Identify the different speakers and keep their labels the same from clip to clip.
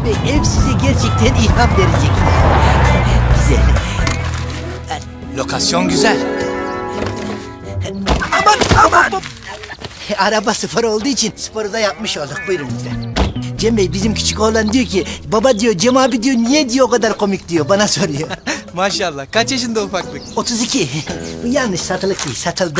Speaker 1: Bey, ev size gerçekten ilham verecek. Güzel.
Speaker 2: Lokasyon güzel.
Speaker 1: Aman! Araba spor olduğu için sporu da yapmış olduk. Buyurun lütfen. Cem Bey, bizim küçük oğlan diyor ki, baba diyor, Cem abi diyor, niye diyor o kadar komik diyor, bana soruyor.
Speaker 2: Maşallah. Kaç yaşında ufaklık?
Speaker 1: 32. Bu yanlış, satılık değil, satıldı.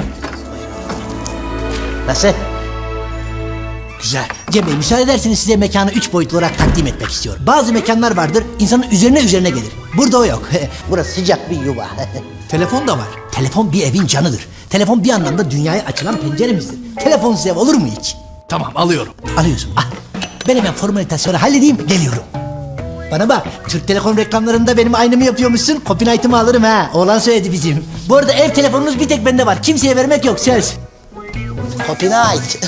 Speaker 1: Nasıl?
Speaker 2: Güzel.
Speaker 1: Cem Bey, müsaade ederseniz size mekanı 3 boyutlu olarak takdim etmek istiyorum. Bazı mekanlar vardır, insanın üzerine gelir. Burada o yok. Burası sıcak bir yuva.
Speaker 2: Telefon da var.
Speaker 1: Telefon bir evin canıdır. Telefon bir anlamda dünyaya açılan penceremizdir. Telefonsuz ev olur mu hiç?
Speaker 2: Tamam, alıyorum.
Speaker 1: Alıyorsun. Ah, ben hemen formalitasyonu halledeyim, geliyorum. Bana bak, Türk Telekom reklamlarında benim aynımı yapıyormuşsun. Copyright'ımı alırım ha. Oğlan söyledi bizim. Bu arada ev telefonunuz bir tek bende var. Kimseye vermek yok, söz. Copyright.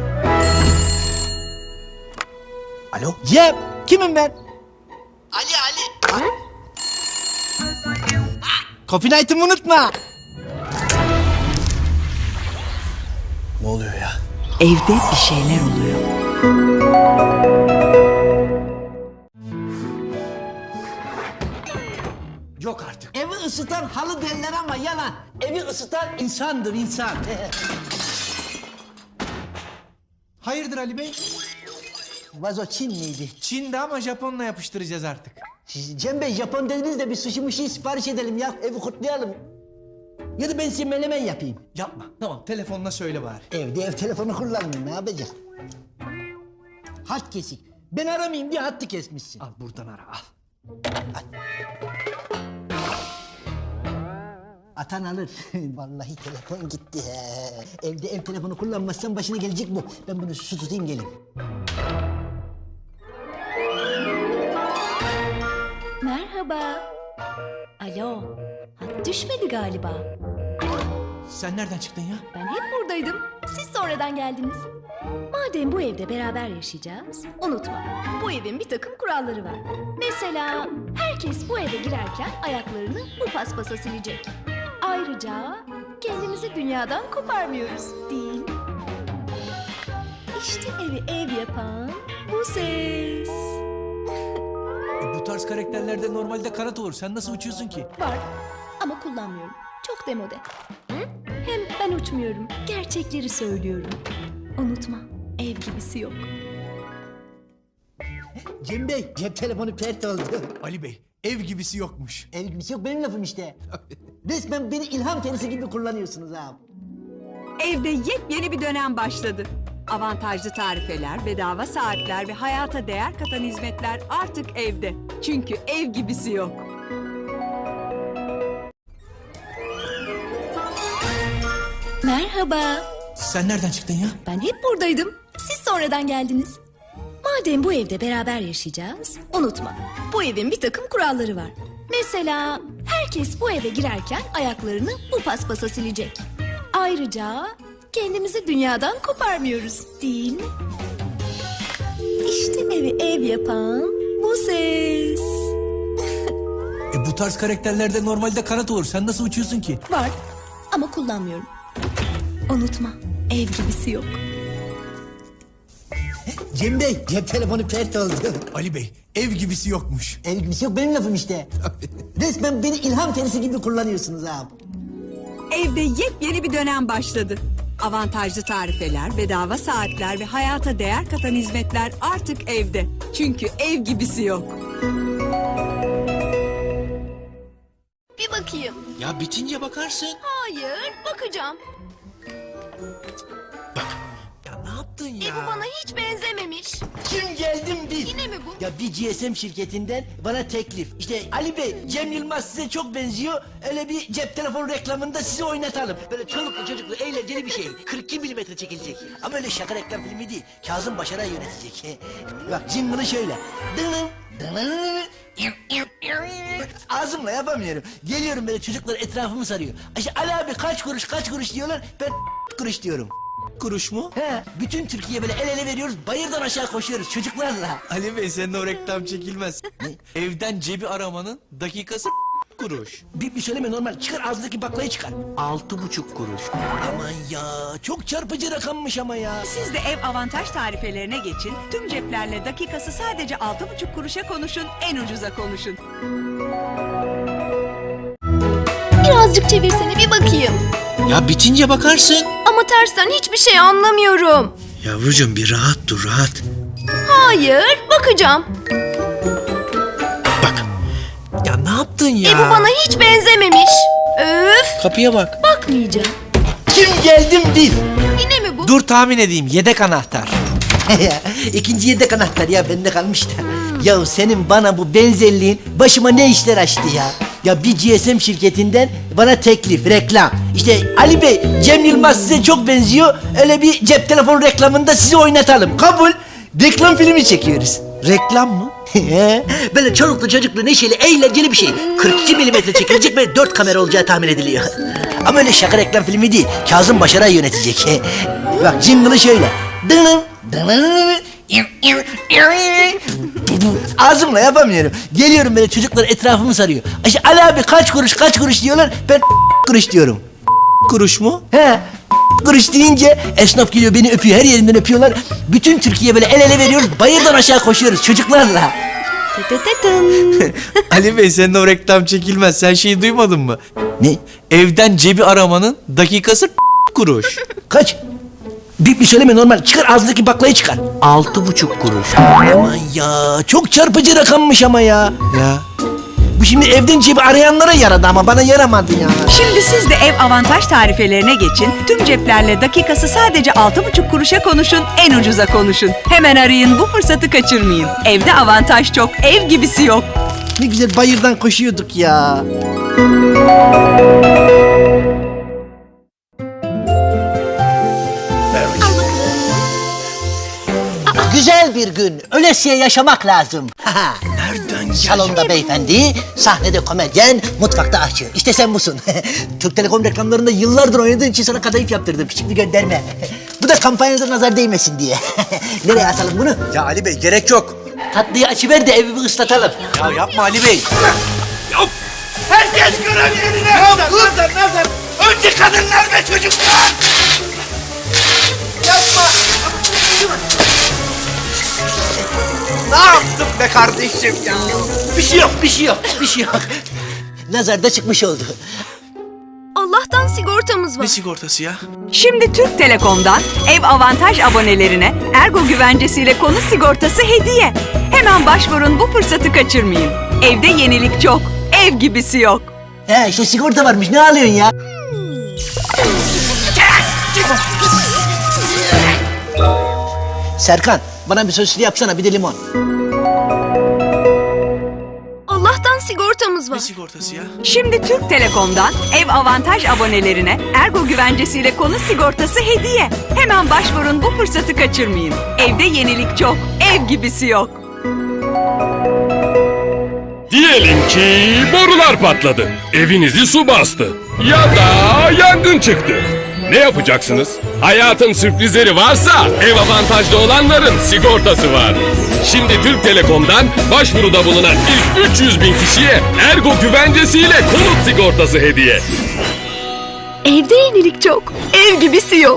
Speaker 2: Alo?
Speaker 1: Cem, kimim ben?
Speaker 2: Ali.
Speaker 1: Copyright'ımı unutma.
Speaker 2: Ne oluyor ya?
Speaker 3: Evde bir şeyler oluyor.
Speaker 1: Yok artık. Evi ısıtan halı derler ama yalan. Evi ısıtan insandır, insan.
Speaker 2: Hayırdır Ali Bey?
Speaker 1: Vazo Çin miydi?
Speaker 2: Çin'de ama Japon'la yapıştıracağız artık.
Speaker 1: Cem Bey, Japon dediniz de bir sushi muşi sipariş edelim ya. Evi kutlayalım. Ya da ben size menemen yapayım.
Speaker 2: Yapma. Tamam, telefonla söyle bari.
Speaker 1: Evde ev telefonu kullanmıyorum, ne yapacak? Hat kesik. Ben aramayayım diye hattı kesmişsin.
Speaker 2: Al buradan ara, al.
Speaker 1: Atan alır. Vallahi telefon gitti. He. Evde ev telefonu kullanmazsan başına gelecek bu. Ben bunu su tutayım, gelin.
Speaker 4: Merhaba. Alo. Hat düşmedi galiba.
Speaker 2: Sen nereden çıktın ya?
Speaker 4: Ben hep buradaydım. Siz sonradan geldiniz. Madem bu evde beraber yaşayacağız, unutma. Bu evin bir takım kuralları var. Mesela herkes bu eve girerken ayaklarını bu paspasa silecek. Ayrıca kendimizi dünyadan koparmıyoruz, değil mi? İşte evi ev yapan bu ses.
Speaker 2: Bu tarz karakterlerde normalde kanat olur. Sen nasıl uçuyorsun ki?
Speaker 4: Var ama kullanmıyorum. Çok demode. Hem ben uçmuyorum. Gerçekleri söylüyorum. Unutma, ev gibisi yok.
Speaker 1: Cem Bey, cep telefonu pert oldu.
Speaker 2: Ali Bey, ev gibisi yokmuş.
Speaker 1: Ev gibisi yok, benim lafım işte. Resmen beni ilham tenisi gibi kullanıyorsunuz abi.
Speaker 3: Evde yepyeni bir dönem başladı. Avantajlı tarifeler, bedava saatler ve hayata değer katan hizmetler artık evde. Çünkü ev gibisi yok.
Speaker 4: Merhaba.
Speaker 2: Sen nereden çıktın ya?
Speaker 4: Ben hep buradaydım. Siz sonradan geldiniz. Madem bu evde beraber yaşayacağız, unutma. Bu evin bir takım kuralları var. Mesela herkes bu eve girerken ayaklarını bu paspasa silecek. Ayrıca kendimizi dünyadan koparmıyoruz, değil mi? İşte evi ev yapan bu ses.
Speaker 2: Bu tarz karakterlerde normalde kanat olur. Sen nasıl uçuyorsun ki?
Speaker 4: Var ama kullanmıyorum. Unutma, ev gibisi yok.
Speaker 1: Cem Bey, cep telefonu pert oldu.
Speaker 2: Ali Bey, ev gibisi yokmuş.
Speaker 1: Ev gibisi yok, benim lafım işte. Resmen beni ilham tenisi gibi kullanıyorsunuz abi.
Speaker 3: Evde yepyeni bir dönem başladı. Avantajlı tarifeler, bedava saatler ve hayata değer katan hizmetler artık evde. Çünkü ev gibisi yok.
Speaker 4: Bir bakayım.
Speaker 2: Ya bitince bakarsın.
Speaker 4: Hayır, bakacağım.
Speaker 2: Ya ne yaptın ya?
Speaker 4: Bu bana hiç benzememiş.
Speaker 1: Kim geldim bil.
Speaker 4: Yine mi bu?
Speaker 1: Ya bir GSM şirketinden bana teklif. İşte Ali Bey, Cem Yılmaz size çok benziyor. Öyle bir cep telefonu reklamında sizi oynatalım. Böyle çoluklu çocuklu eğlenceli bir şey. 42 milimetre çekilecek. Ama öyle şaka reklam filmi değil. Kazım Başaray yönetecek. Bak jingle'ı şöyle. Dınım, dınım. Ağzımla yapamıyorum. Geliyorum böyle, çocuklar etrafımı sarıyor. İşte Ali abi kaç kuruş diyorlar. Ben kuruş diyorum.
Speaker 2: Kuruş mu?
Speaker 1: He, bütün Türkiye böyle el ele veriyoruz, bayırdan aşağı koşuyoruz çocuklarla.
Speaker 2: Ali Bey, senin o reklam çekilmez. Evden cebi aramanın dakikası kuruş.
Speaker 1: Bir söyleme normal. Çıkar ağzındaki baklayı çıkar.
Speaker 2: 6,5 kuruş.
Speaker 1: Aman ya çok çarpıcı rakammış ama ya.
Speaker 3: Siz de ev avantaj tarifelerine geçin. Tüm ceplerle dakikası sadece 6,5 kuruşa konuşun. En ucuza konuşun.
Speaker 4: Birazcık çevirsene bir bakayım.
Speaker 2: Ya bitince bakarsın.
Speaker 4: Ama tersten hiçbir şey anlamıyorum.
Speaker 2: Yavrucuğum bir rahat dur rahat.
Speaker 4: Hayır, bakacağım.
Speaker 2: Ya ne yaptın ya?
Speaker 4: Bu bana hiç benzememiş. Öf,
Speaker 2: Kapıya bak.
Speaker 4: bakmayacağım.
Speaker 1: Kim geldim bil.
Speaker 4: Yine mi bu?
Speaker 2: Dur tahmin edeyim. Yedek anahtar.
Speaker 1: İkinci yedek anahtar ya bende kalmış da. Ya senin bana bu benzerliğin başıma ne işler açtı ya. Ya bir GSM şirketinden bana teklif, reklam. İşte Ali Bey, Cem Yılmaz size çok benziyor. Öyle bir cep telefonu reklamında sizi oynatalım. Kabul. Reklam filmi çekiyoruz.
Speaker 2: Reklam mı?
Speaker 1: Böyle çoluklu çocuklu neşeli eğlenceli bir şey. 42 milimetre çekilecek ve 4 kamera olacağı tahmin ediliyor. Ama öyle şaka reklam filmi değil. Kazım Başaray yönetecek. Bak jingle'ı şöyle. Ağzımla yapamıyorum. Geliyorum böyle çocuklar etrafımı sarıyor. İşte Ali abi kaç kuruş diyorlar. Ben kuruş diyorum.
Speaker 2: Kuruş mu?
Speaker 1: He. Kuruş deyince esnaf geliyor beni öpüyor. Her yerimden öpüyorlar. Bütün Türkiye böyle el ele veriyoruz. Bayırdan aşağı koşuyoruz çocuklarla.
Speaker 2: Ali Bey senin o reklam çekilmez. Sen şeyi duymadın mı?
Speaker 1: Ne?
Speaker 2: Evden cebi aramanın dakikası kuruş.
Speaker 1: Kaç? Bir söyleme normal. Çıkar ağzındaki baklayı çıkar.
Speaker 2: 6,5 kuruş.
Speaker 1: Aman ya çok çarpıcı rakammış ama ya.
Speaker 2: Ya.
Speaker 1: Bu şimdi evden cebi arayanlara yaradı ama bana yaramadı ya.
Speaker 3: Şimdi siz de ev avantaj tarifelerine geçin. Tüm ceplerle dakikası sadece 6,5 kuruşa konuşun. En ucuza konuşun. Hemen arayın, bu fırsatı kaçırmayın. Evde avantaj çok, ev gibisi yok.
Speaker 1: Ne güzel bayırdan koşuyorduk ya. Güzel bir gün. Ölesiye yaşamak lazım. Nereden Salonda beyefendi, sahnede komedyen, mutfakta aşçı. İşte sen busun. Türk Telekom reklamlarında yıllardır oynadığın için sana kadayıf yaptırdım. Küçük bir gönderme. Bu da kampanyanıza nazar değmesin diye. Nereye asalım bunu?
Speaker 2: Ya Ali Bey gerek yok.
Speaker 1: Tatlıyı açıver de evi bir ıslatalım.
Speaker 2: Ya yapma Ali Bey.
Speaker 1: Herkes görev yerine. Nazar. Önce kadınlar ve çocuklar. Yapma.
Speaker 2: Ne yaptın be kardeşim ya?
Speaker 1: Bir şey yok. Nazar da çıkmış oldu.
Speaker 4: Allah'tan sigortamız var.
Speaker 2: Ne sigortası ya?
Speaker 3: Şimdi Türk Telekom'dan ev avantaj abonelerine Ergo güvencesiyle konut sigortası hediye. Hemen başvurun, bu fırsatı kaçırmayın. Evde yenilik çok, ev gibisi yok.
Speaker 1: He işte sigorta varmış ne alıyorsun ya? Serkan bana bir sosisli yapsana bir de limon.
Speaker 4: Allah'tan sigortamız var.
Speaker 2: Ne sigortası ya?
Speaker 3: Şimdi Türk Telekom'dan ev avantaj abonelerine Ergo güvencesiyle konut sigortası hediye. Hemen başvurun, bu fırsatı kaçırmayın. Evde yenilik çok, ev gibisi yok.
Speaker 5: Diyelim ki borular patladı. Evinizi su bastı. Ya da yangın çıktı. Ne yapacaksınız? Hayatın sürprizleri varsa ev avantajlı olanların sigortası var. Şimdi Türk Telekom'dan başvuruda bulunan ilk 300 bin kişiye Ergo güvencesiyle konut sigortası hediye.
Speaker 4: Evde yenilik çok, ev gibisi yok.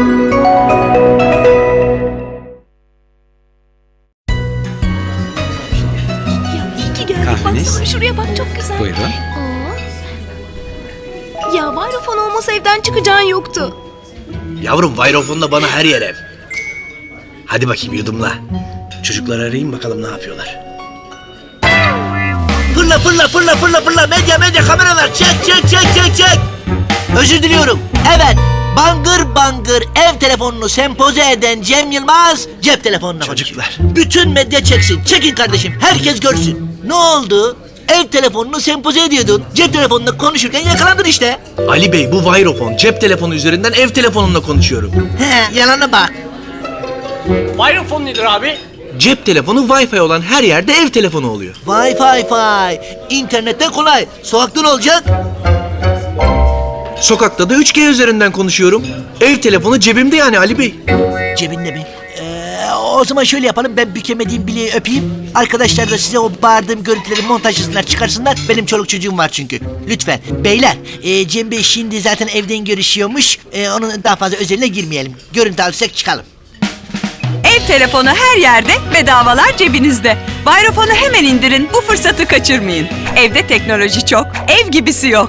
Speaker 4: Ya iyi ki geldik.
Speaker 2: Kahveniz?
Speaker 4: Baksana şuraya bak, çok güzel.
Speaker 2: Buyurun.
Speaker 4: Ya Vodafone olmasa evden çıkacağın yoktu.
Speaker 1: Yavrum Vayrofon'da bana her yer ev. Hadi bakayım yudumla. Çocukları arayayım bakalım ne yapıyorlar. Fırla. Medya kameralar çek. Özür diliyorum. Evet. Bangır ev telefonunu sempoze eden Cem Yılmaz cep telefonuna
Speaker 2: Çocuklar.
Speaker 1: Bütün medya çeksin. Çekin kardeşim. Herkes görsün. Ne oldu? Ev telefonunu sempoze ediyordun. Cep telefonunda konuşurken yakalandın işte.
Speaker 2: Ali Bey bu Vayrofon. Cep telefonu üzerinden ev telefonunla konuşuyorum.
Speaker 1: He, yalana bak.
Speaker 6: Vodafone nedir abi?
Speaker 2: Cep telefonu Wi-Fi olan her yerde ev telefonu oluyor.
Speaker 1: Wi-Fi. İnternetten kolay. Sokakta ne olacak?
Speaker 2: Sokakta da 3G üzerinden konuşuyorum. Ev telefonu cebimde yani Ali Bey.
Speaker 1: Cebinde mi? O O zaman şöyle yapalım. Ben bükemediğim bileği öpeyim. Arkadaşlar da size o bağırdığım görüntüleri montajlasınlar, çıkarsınlar. Benim çoluk çocuğum var çünkü. Lütfen. Beyler, Cem Bey şimdi zaten evden görüşüyormuş. Onun daha fazla özeline girmeyelim. Görüntü alırsak çıkalım.
Speaker 3: Ev telefonu her yerde, bedavalar cebinizde. Bayrafon'u hemen indirin, bu fırsatı kaçırmayın. Evde teknoloji çok, ev gibisi yok.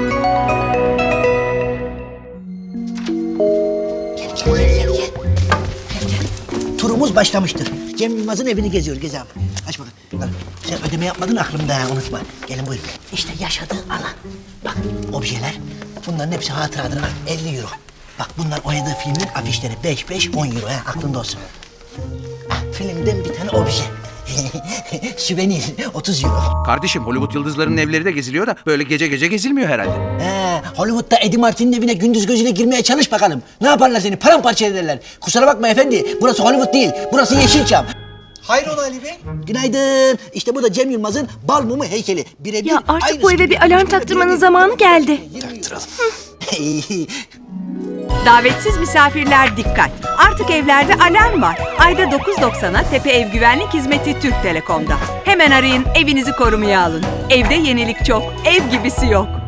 Speaker 1: Gel. Turumuz başlamıştır. Cem Yılmaz'ın evini geziyoruz. Gez abi. Aç bakalım. Bak, sen ödeme yapmadın aklımda ha, unutma. Gelin buyurun. İşte yaşadığı alan. Bak objeler. Bunların hepsi hatıradır. 50 euro. Bak bunlar oynadığı filmin afişleri. 5, 10 euro ha, aklında olsun. Ah, filmden bir tane obje. Süvenir 30 euro.
Speaker 7: Kardeşim Hollywood yıldızlarının evleri de geziliyor da böyle gece gece gezilmiyor herhalde.
Speaker 1: Hollywood'da Eddie Martin'in evine gündüz gözüyle girmeye çalış bakalım. Ne yaparlar seni? Paramparça ederler. Kusura bakma efendi. Burası Hollywood değil. Burası Yeşilçam.
Speaker 8: Hayrola Ali Bey?
Speaker 1: Günaydın. İşte bu da Cem Yılmaz'ın bal mumu heykeli. Birebir
Speaker 4: Ya artık
Speaker 1: aynısı.
Speaker 4: bu eve bir alarm taktırmanın zamanı geldi.
Speaker 3: Davetsiz misafirler dikkat. Artık evlerde alarm var. Ayda 9.90'a Tepe Ev Güvenlik Hizmeti Türk Telekom'da. Hemen arayın, evinizi korumaya alın. Evde yenilik çok, ev gibisi yok.